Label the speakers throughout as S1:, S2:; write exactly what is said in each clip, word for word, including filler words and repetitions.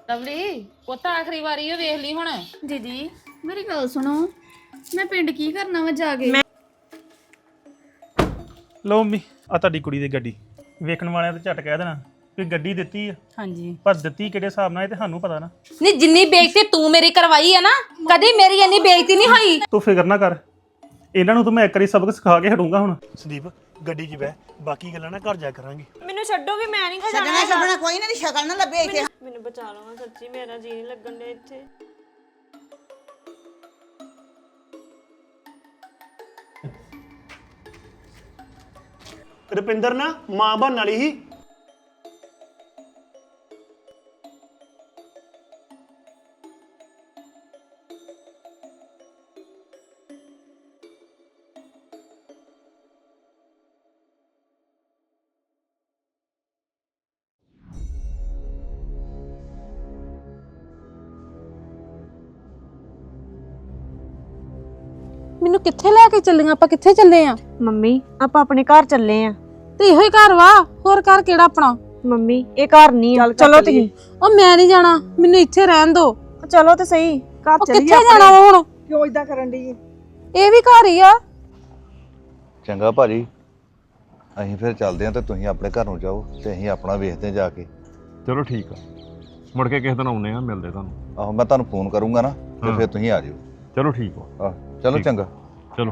S1: Lovely ਪੁੱਤ ਆਖਰੀ ਵਾਰੀ ਉਹ ਵੇਖ ਲਈ ਹੁਣ।
S2: ਦੀਦੀ ਮੇਰੀ ਗੱਲ ਸੁਣੋ, ਮੈਂ ਪਿੰਡ ਕੀ ਕਰਨਾ ਵਾ ਜਾ ਕੇ?
S3: ਲਓ ਮੰਮੀ ਆ ਤੁਹਾਡੀ ਕੁੜੀ ਦੀ ਗੱਡੀ। ਵੇਖਣ ਵਾਲਿਆਂ ਤੇ ਝਟ ਕਹਿ ਦੇਣਾ ਵੀ ਗੱਡੀ ਦਿੱਤੀ ਆ,
S1: ਹਾਂਜੀ
S3: ਪਰ ਦਿੱਤੀ ਕਿਹੜੇ ਹਿਸਾਬ ਨਾਲ ਇਹ ਤੇ ਸਾਨੂੰ ਪਤਾ ਨਾ।
S4: ਨਹੀਂ ਜਿੰਨੀ ਬੇਇੱਜ਼ਤੀ ਤੂੰ ਮੇਰੀ ਕਰਵਾਈ ਹੈ ਨਾ, ਕਦੀ ਮੇਰੀ ਇੰਨੀ ਬੇਇੱਜ਼ਤੀ ਨਹੀਂ ਹੋਈ।
S3: ਤੂੰ ਫਿਕਰ ਨਾ ਕਰ, ਇਹਨਾਂ ਨੂੰ ਤਾਂ ਮੈਂ ਇੱਕ ਵਾਰੀ ਸਬਕ ਸਿਖਾ ਕੇ ਹਟੂੰਗਾ ਹੁਣ। ਸੰਦੀਪ ਗੱਡੀ 'ਚ ਬਹਿ, ਬਾਕੀ ਗੱਲਾਂ ਨਾ ਘਰ ਜਾ ਕਰਾਂਗੇ।
S5: ਮੈਨੂੰ ਛੱਡੋ ਵੀ ਮੈਂ ਨਹੀਂ ਖਜਾਣਾ
S6: ਛੱਡਣਾ ਛੱਡਣਾ ਕੋਈ ਨਾ, ਦੀ ਸ਼ਕਲ ਨਾ ਲੱਭੇ ਇੱਥੇ।
S5: ਮੈਨੂੰ ਬਚਾ ਲਓ ਸੱਚੀ, ਮੇਰਾ ਜੀ ਨਹੀਂ ਲੱਗਣ ਦੇ ਇੱਥੇ।
S3: ਰੁਪਿੰਦਰ ਨਾ ਮਾਂ ਬਣਨ ਵਾਲੀ ਸੀ।
S4: ਮੈਨੂੰ ਕਿੱਥੇ ਲੈ ਕੇ ਚੱਲੀਆਂ? ਆਪਾਂ ਕਿੱਥੇ ਚੱਲੇ ਆ?
S5: ਮੰਮੀ ਆਪਾਂ ਆਪਣੇ ਘਰ ਚੱਲੇ ਆ।
S4: ਤੇ ਇਹੋ ਹੀ ਘਰ ਵਾ, ਹੋਰ ਘਰ ਕਿਹੜਾ ਆਪਣਾ?
S5: ਮੰਮੀ ਇਹ ਘਰ ਨਹੀਂ ਆ, ਚਲੋ ਤੁਸੀਂ।
S4: ਉਹ ਮੈਂ ਨਹੀਂ ਜਾਣਾ, ਮੈਨੂੰ ਇੱਥੇ ਰਹਿਣ ਦੋ।
S5: ਚਲੋ ਤੇ ਸਹੀ, ਘਰ
S4: ਉਹ
S5: ਚੱਲੀਏ।
S4: ਕਿੱਥੇ ਜਾਣਾ ਵਾ ਹੁਣ?
S6: ਕਿਉਂ ਇਦਾਂ ਕਰਨ ਦੀ?
S4: ਇਹ ਵੀ ਘਰ ਹੀ ਆ।
S7: ਚੰਗਾ ਭਾਜੀ, ਅਸੀਂ ਫਿਰ ਚੱਲਦੇ ਹਾਂ ਤੇ ਤੁਸੀਂ ਆਪਣੇ ਘਰ ਨੂੰ ਜਾਓ ਤੇ ਅਸੀਂ ਆਪਣਾ ਵੇਖਦੇ ਹਾਂ ਜਾ ਕੇ।
S8: ਚਲੋ ਠੀਕ ਆ, ਮੁੜ ਕੇ ਕਿਸੇ ਦਿਨ ਆਉਨੇ ਆ, ਮਿਲਦੇ ਤੁਹਾਨੂੰ।
S7: ਆਹੋ ਮੈਂ ਤੁਹਾਨੂੰ ਫੋਨ ਕਰੂੰਗਾ ਨਾ ਤੇ
S8: ਹਾਂ।
S7: ਫਿਰ ਤੁਸੀਂ ਆ ਜਿਓ।
S8: ਚਲੋ ਠੀਕ ਆ,
S7: ਆਹ ਚਲੋ
S8: ਠੀਕ।
S7: ਚੰਗਾ।
S8: ਚਲੋ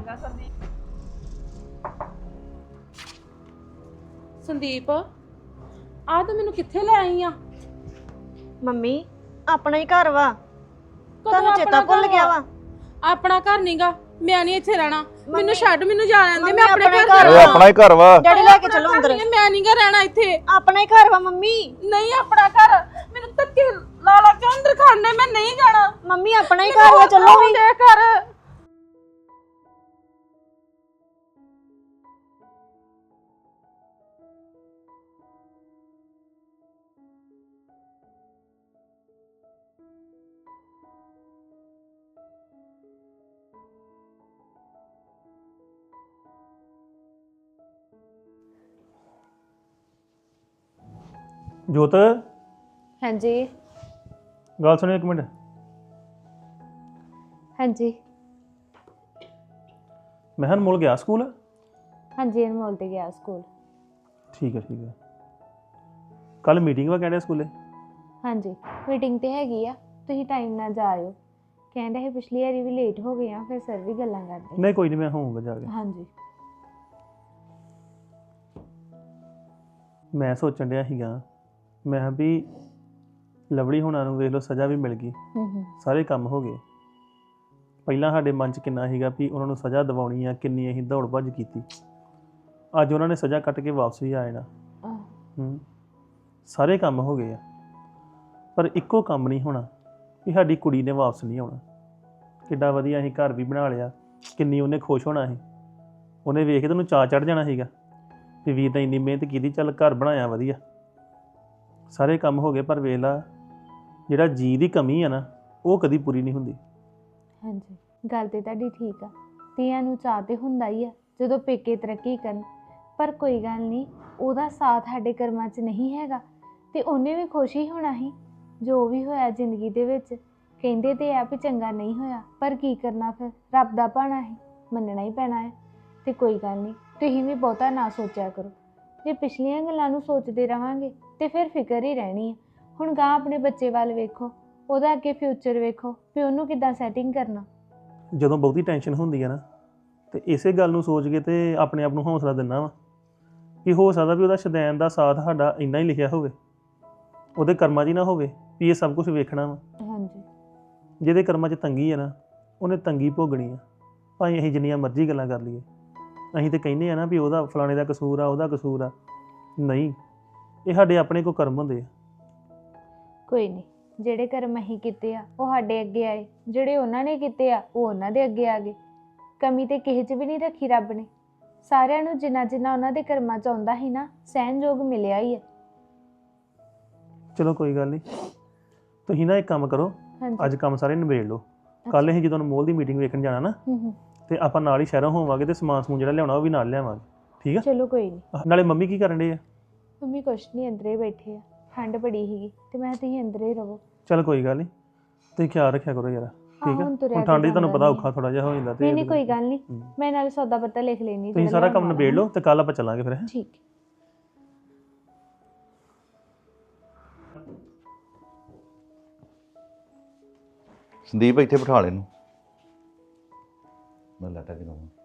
S4: ਸੰਦੀਪ ਆ ਤੂੰ ਮੈਨੂੰ ਕਿੱਥੇ ਲੈ ਆਈ ਆ?
S5: ਮੰਮੀ ਆਪਣਾ ਹੀ ਘਰ ਵਾ,
S4: ਕਦੋਂ
S5: ਤੁਹਾਨੂੰ ਚੇਤਾ
S4: ਆਪਣਾ
S5: ਭੁੱਲ
S4: ਘਰ
S5: ਗਿਆ
S4: ਵਾ?
S5: ਵਾ।
S4: ਆਪਣਾ ਘਰ ਨਹੀਂਗਾ, ਮੈਂ ਨਹੀਂ ਇੱਥੇ ਰਹਿਣਾ। ਮੈਨੂੰ ਛੱਡ, ਮੈਨੂੰ ਜਾ ਲੈਣ ਦੇ, ਮੈਂ ਆਪਣੇ
S5: ਆਪਣੇ
S4: ਘਰ
S5: ਘਰ
S7: ਓਏ
S4: ਜਾਣਾ।
S7: ਆਪਣਾ ਹੀ ਘਰ ਵਾ।
S5: ਡੈਡੀ ਲੈ ਕੇ ਚਲੋ ਅੰਦਰ।
S4: ਮੈਂ ਨਹੀਂਗਾ ਰਹਿਣਾ ਇੱਥੇ।
S5: ਆਪਣਾ ਹੀ ਘਰ ਵਾ ਮੰਮੀ।
S4: ਨਹੀਂ ਆਪਣਾ ਘਰ, ਮੈਨੂੰ ਧੱਕੇ ਲਾ ਲਾ ਕੇ ਅੰਦਰ ਖਾਣੇ, ਮੈਂ ਨਹੀਂ ਜਾਣਾ।
S5: ਮੰਮੀ ਆਪਣਾ ਹੀ ਘਰ ਵਾ, ਚਲੋ ਵੀ।
S4: ਦੇ ਘਰ
S3: ਜੋਤ
S9: ਹਾਂਜੀ
S3: ਗੱਲ ਸੁਣਿਓ ਇੱਕ ਮਿੰਟ।
S9: ਹਾਂਜੀ
S3: ਮੈਂ ਹਾਂ ਮੁੱਲ ਗਿਆ ਸਕੂਲ।
S9: ਹਾਂਜੀ ਅਨਮੋਲ ਤੇ ਗਿਆ ਸਕੂਲ।
S3: ਠੀਕ ਹੈ ਠੀਕ ਹੈ। ਕੱਲ ਮੀਟਿੰਗ ਵਾ ਕਹਿੰਦੇ ਸਕੂਲੇ।
S9: ਹਾਂਜੀ ਮੀਟਿੰਗ ਤੇ ਹੈਗੀ ਆ, ਤੁਸੀਂ ਟਾਈਮ ਨਾਲ ਜਾਇਓ। ਕਹਿੰਦੇ ਹੈ ਪਿਛਲੀ ਵਾਰੀ ਵੀ ਲੇਟ ਹੋ ਗਏ ਆ, ਫਿਰ ਸਰ ਵੀ ਗੱਲਾਂ ਕਰਦੇ।
S3: ਨਹੀਂ ਕੋਈ ਨਹੀਂ, ਮੈਂ ਹੋਊਂਗਾ ਜਾ ਕੇ।
S9: ਹਾਂਜੀ
S3: ਮੈਂ ਸੋਚਣ ਡਿਆ ਸੀਗਾ, ਮੈਂ ਕਿਹਾ ਵੀ ਲਵਲੀ ਹੋਣਾ ਨੂੰ ਵੇਖ ਲਓ ਸਜ਼ਾ ਵੀ ਮਿਲ ਗਈ,
S9: ਹੂੰ ਹੂੰ
S3: ਸਾਰੇ ਕੰਮ ਹੋ ਗਏ। ਪਹਿਲਾਂ ਸਾਡੇ ਮਨ 'ਚ ਕਿੰਨਾ ਸੀਗਾ ਵੀ ਉਹਨਾਂ ਨੂੰ ਸਜ਼ਾ ਦਿਵਾਉਣੀ ਆ, ਕਿੰਨੀ ਅਸੀਂ ਦੌੜ ਭੱਜ ਕੀਤੀ। ਅੱਜ ਉਹਨਾਂ ਨੇ ਸਜ਼ਾ ਕੱਟ ਕੇ ਵਾਪਸ ਵੀ ਆ ਜਾਣਾ। ਹੂੰ ਸਾਰੇ ਕੰਮ ਹੋ ਗਏ ਆ, ਪਰ ਇੱਕੋ ਕੰਮ ਨਹੀਂ ਹੋਣਾ ਵੀ ਸਾਡੀ ਕੁੜੀ ਨੇ ਵਾਪਸ ਨਹੀਂ ਆਉਣਾ। ਕਿੱਡਾ ਵਧੀਆ ਅਸੀਂ ਘਰ ਵੀ ਬਣਾ ਲਿਆ, ਕਿੰਨੀ ਉਹਨੇ ਖੁਸ਼ ਹੋਣਾ ਸੀ। ਉਹਨੇ ਵੇਖ ਕੇ ਤੈਨੂੰ ਚਾਅ ਚੜ੍ਹ ਜਾਣਾ ਸੀਗਾ ਵੀ ਵੀਰ ਨੇ ਇੰਨੀ ਮਿਹਨਤ ਕੀਤੀ, ਚੱਲ ਘਰ ਬਣਾਇਆ ਵਧੀਆ। ਸਾਰੇ ਕੰਮ ਹੋ ਗਏ, ਪਰ ਵੇਖ ਲਾ ਜਿਹੜਾ ਜੀ ਦੀ ਕਮੀ ਆ ਨਾ, ਉਹ ਕਦੀ ਪੂਰੀ ਨਹੀਂ ਹੁੰਦੀ।
S9: ਹਾਂਜੀ ਗੱਲ ਤੇ ਤੁਹਾਡੀ ਠੀਕ ਆ, ਧੀਆਂ ਨੂੰ ਚਾਅ ਤੇ ਹੁੰਦਾ ਹੀ ਆ ਜਦੋਂ ਪੇਕੇ ਤਰੱਕੀ ਕਰਨ, ਪਰ ਕੋਈ ਗੱਲ ਨਹੀਂ, ਉਹਦਾ ਸਾਥ ਸਾਡੇ ਕਰਮਾਂ 'ਚ ਨਹੀਂ ਹੈਗਾ ਤੇ ਉਹਨੇ ਵੀ ਖੁਸ਼ ਹੀ ਹੋਣਾ ਸੀ ਜੋ ਵੀ ਹੋਇਆ ਜ਼ਿੰਦਗੀ ਦੇ ਵਿੱਚ। ਕਹਿੰਦੇ ਤੇ ਆ ਵੀ ਚੰਗਾ ਨਹੀਂ ਹੋਇਆ, ਪਰ ਕੀ ਕਰਨਾ, ਫਿਰ ਰੱਬ ਦਾ ਭਾਣਾ ਹੈ, ਮੰਨਣਾ ਹੀ ਪੈਣਾ ਹੈ। ਤੇ ਕੋਈ ਗੱਲ ਨਹੀਂ, ਤੁਸੀਂ ਵੀ ਬਹੁਤਾ ਨਾ ਸੋਚਿਆ ਕਰੋ। ਜੇ ਪਿਛਲੀਆਂ ਗੱਲਾਂ ਨੂੰ ਸੋਚਦੇ ਰਹਾਂਗੇ ਤੇ ਫਿਰ ਫਿਕਰ ਹੀ ਰਹਿਣੀ ਹੈ। ਹੁਣ ਗਾਂ ਆਪਣੇ ਬੱਚੇ ਵੱਲ ਵੇਖੋ, ਉਹਦਾ ਅੱਗੇ ਫਿਊਚਰ ਵੇਖੋ ਵੀ ਉਹਨੂੰ ਕਿੱਦਾਂ ਸੈਟਿੰਗ ਕਰਨਾ।
S3: ਜਦੋਂ ਬਹੁਤੀ ਟੈਨਸ਼ਨ ਹੁੰਦੀ ਆ ਨਾ, ਤੇ ਇਸੇ ਗੱਲ ਨੂੰ ਸੋਚ ਕੇ ਤੇ ਆਪਣੇ ਆਪ ਨੂੰ ਹੌਸਲਾ ਦਿੰਦਾ ਵਾ ਕਿ ਹੋ ਸਕਦਾ ਵੀ ਉਹਦਾ ਸ਼ੁਦੈਨ ਦਾ ਸਾਥ ਸਾਡਾ ਇੰਨਾ ਹੀ ਲਿਖਿਆ ਹੋਵੇ, ਉਹਦੇ ਕਰਮਾਂ 'ਚ ਹੀ ਨਾ ਹੋਵੇ ਵੀ ਇਹ ਸਭ ਕੁਝ ਵੇਖਣਾ ਵਾ।
S9: ਹਾਂਜੀ
S3: ਜਿਹਦੇ ਕਰਮਾਂ 'ਚ ਤੰਗੀ ਆ ਨਾ, ਉਹਨੇ ਤੰਗੀ ਭੋਗਣੀ ਆ, ਭਾਵੇਂ ਅਸੀਂ ਜਿੰਨੀਆਂ ਮਰਜ਼ੀ ਗੱਲਾਂ ਕਰ ਲਈਏ। ਅਸੀਂ ਤੇ ਕਹਿੰਦੇ ਆ ਨਾ ਵੀ ਉਹਦਾ ਫਲਾਣੇ ਦਾ ਕਸੂਰ ਆ, ਉਹਦਾ ਕਸੂਰ ਆ। ਨਹੀਂ, ਇਹ ਸਾਡੇ ਆਪਣੇ ਕੋ ਕਰਮ ਹੁੰਦੇ ਆ।
S9: ਕੋਈ ਨਹੀਂ, ਜਿਹੜੇ ਕਰਮ ਅਸੀਂ ਕੀਤੇ ਆ ਉਹ ਸਾਡੇ ਅੱਗੇ ਆਏ, ਜਿਹੜੇ ਉਹਨਾਂ ਨੇ ਕੀਤੇ ਆ ਉਹ ਉਹਨਾਂ ਦੇ ਅੱਗੇ ਆ ਗਏ। ਕਮੀ ਤੇ ਕਿਸੇ 'ਚ ਵੀ ਨਹੀਂ ਰੱਖੀ ਰੱਬ ਨੇ। ਸਾਰਿਆਂ ਨੂੰ ਜਿੰਨਾ ਜਿੰਨਾ ਉਹਨਾਂ ਦੇ ਕਰਮਾਂ 'ਚ ਆਉਂਦਾ ਸੀ ਨਾ, ਸਹਿਣਯੋਗ ਮਿਲਿਆ ਹੀ ਹੈ।
S3: ਚਲੋ ਕੋਈ ਗੱਲ ਨਹੀਂ, ਤੁਸੀਂ ਨਾ ਇੱਕ ਕੰਮ ਕਰੋ,
S9: ਹਾਂਜੀ
S3: ਅੱਜ ਕੰਮ ਸਾਰੇ ਨਿਬੇੜ ਲਓ। ਕੱਲ ਅਸੀਂ ਜਦੋਂ ਅਨਮੋਲ ਦੀ ਮੀਟਿੰਗ ਵੇਖਣ ਜਾਣਾ ਨਾ,
S9: ਹੂੰ ਹੂੰ
S3: ਤੇ ਆਪਾਂ ਨਾਲ ਹੀ ਸ਼ਹਿਰੋਂ ਹੋਵਾਂਗੇ ਤੇ ਸਮਾਨ ਸਮੂਨ ਜਿਹੜਾ ਲਿਆਉਣਾ ਉਹ ਵੀ ਨਾਲ ਲਿਆਵਾਂਗੇ। ਠੀਕ ਆ?
S9: ਚਲੋ ਕੋਈ ਨਹੀਂ।
S3: ਨਾਲੇ ਮੰਮੀ ਕੀ ਕਰਨ ਡੇ ਆ?
S9: ਮੰਮੀ ਕੁਛ ਨਹੀਂ, ਅੰਦਰੇ ਬੈਠੇ ਆ, ਠੰਡ ਬੜੀ ਸੀਗੀ ਤੇ ਮੈਂ ਤੁਸੀਂ ਅੰਦਰੇ ਹੀ ਰਹੋ।
S3: ਚੱਲ ਕੋਈ ਗੱਲ ਨਹੀਂ, ਤੁਸੀਂ ਖਿਆਲ ਰੱਖਿਆ ਕਰੋ ਯਾਰ, ਠੀਕ ਆ।
S9: ਹੁਣ ਤੁਰਿਆ
S3: ਹੁਣ ਠੰਡ 'ਚ ਤੁਹਾਨੂੰ
S9: ਜਾਂਦਾ
S3: ਪਤਾ
S9: ਨਹੀਂ।
S3: ਔਖਾ ਥੋੜਾ ਜਿਹਾ ਹੋ ਜਾਂਦਾ ਤੇ
S9: ਨਹੀਂ ਨਹੀਂ ਕੋਈ ਗੱਲ ਨਹੀਂ, ਮੈਂ ਨਾਲ ਸੌਦਾ ਪੱਤਾ ਲਿਖ ਲੈਣੀ।
S3: ਤੁਸੀਂ ਸਾਰਾ ਕੰਮ ਨਿਬੇੜ ਲਓ ਤੇ ਕੱਲ ਆਪਾਂ ਚੱਲਾਂਗੇ ਫਿਰ।
S9: ਠੀਕ।
S7: ਸੰਦੀਪ ਇੱਥੇ ਬਿਠਾ ਲੈ ਇਹਨੂੰ, ਮੈਂ ਲਾਟਾ ਕਿ ਦਵਾਂ।